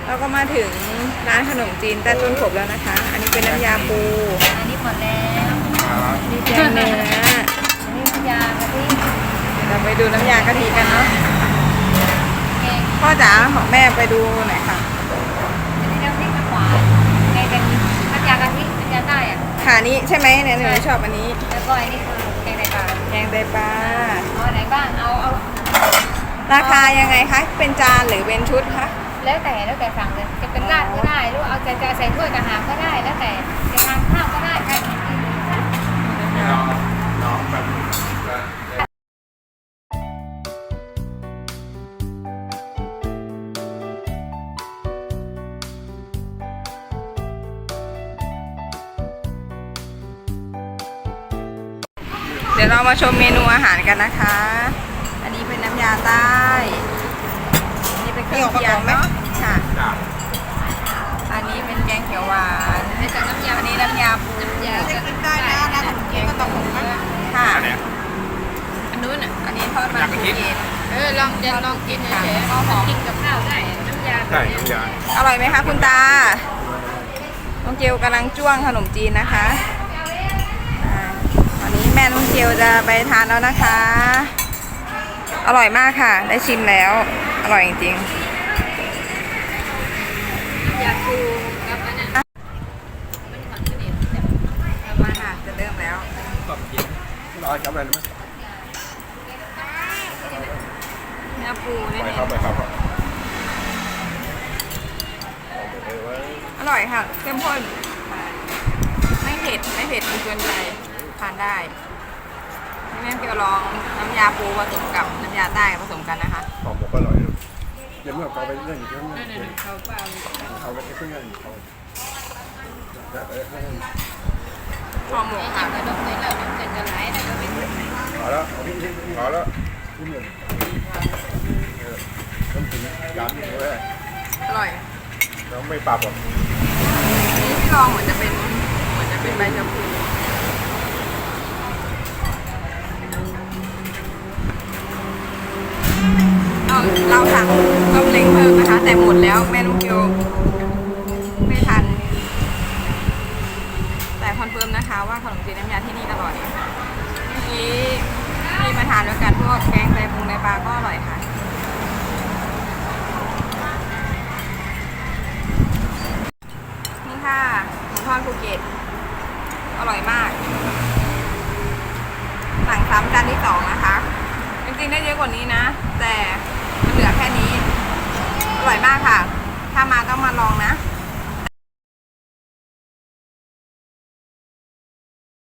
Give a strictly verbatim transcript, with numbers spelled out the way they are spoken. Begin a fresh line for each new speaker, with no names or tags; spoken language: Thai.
เราก็มาถึงร้านขนมจีนใต้ต้นขบแล้วนะคะ อันนี้เป็นน้ำยาปู
อันนี้หมดแล้ว
มีแกงเนื้อ
อันนี้น้ำยากะทิ
เดี๋ยวเราไปดูน้ำยากะทิกันเนาะ
แกง
พ่อจ๋าของแม่ไปดูหน่อยค่ะ
อันนี้น้ำพริกน้ำหวานแกงกะทิน้ำยากะทิน้ำยาใต้อะ
ขานี้ใช่ไหมเนี่ยหนูชอบอันนี้
แล้วก็อันนี้คือแกงไตปลา
แกงไตปลา
เอาอันไหนบ้างเอาเอา
ราคายังไงคะ เป็นจานหรือเป็นชุดคะ
แล้วแต่แล้วแต่สั่งเลยจะเป็นราดก็ได้หรือเอาจะจะใส่ถ้วยกระหามก็ได้แล้วแต่จะทานข้าวก็ได้ค่ะ
น้องแบบ
เดี๋ยวเรามาชมเมนูอาหารกันนะคะ อันนี้เป็นน้ำยาใต้อันนี้เป็นเครื่องเคียงเนาะค่ะ
จ้า
อันนี้เป็นแกงเขียวหวาน
ในจากน้ำยา
อันนี้น้ำยาปู
น้ำยา
จะกินได้นะนะแกงก็ต้องหุงนะค่ะ
อันเนี้ย
อันนู้นอ่ะ
อันนี้ทอดมัน
อยากกิน
เย็น
เออลองจะลองกินเฉยๆเอาหอมกินกับข้าวได้น้ำยา
ใช่น้ำยา
อร่อยไหมคะคุณตาน้องเกลกำลังจ้วงขนมจีนนะคะอ่าวันนี้แม่น้องเกลจะไปทานแล้วนะคะ อร่อยมากค่ะ ได้ชิมแล้ว อร่อยจริง
ยาคูกับอันนั้นมันหวานขึ้นอีกแบบ
ๆมาค่ะจะเริ่มแล้ว
ตบกินรอจับอะไรนะ
เนื้อปูนี่
ไปครับไปครับ
อร่อยค่ะเข้มข้นไม่เผ็ดไม่เผ็ดจนเกินไปทานได้แม่เกลลองน้ำยาปูผสมกับน้ำยาใต้ผสมกันนะคะ
หอมหมกก็อร่อยเดี๋ยวเมื่อเขาไปเล่นเครื่อง
นั่นน่ะเขาเปล่า
เขาไปเครื่องเล่นเขา
หอมหมู
ไอ้
ค่ะ
จิ้มกระดกเลยแล้วมันจะจะไหลแล้วก็ไม่ถึง
พอแล้วพอแล้วที่หนึ่งต้องถึงยามนี้เลย
อร่อย
เราไม่ปรับหรอก
นี่ที่ลองเหมือนจะเป็นเหมือนจะเป็นใบชะพูเราเราสั่งต้มเล้งเพิ่มนะคะ แต่หมดแล้วแม่ลูกเกียวไม่ทัน แต่คอนเฟิร์มนะคะว่าขนมจีนน้ำยาที่นี่อร่อยเมื่อกี้ที่มาทานด้วยกันพวกแกงไตปรุงไตปลาก็อร่อยค่ะนี่ค่ะหมูทอดภูเก็ตอร่อยมาก สั่งซ้ำจานที่สองนะคะ จริงๆได้เยอะกว่านี้นะ แต่มันเหลือแค่นี้ อร่อยมากค่ะ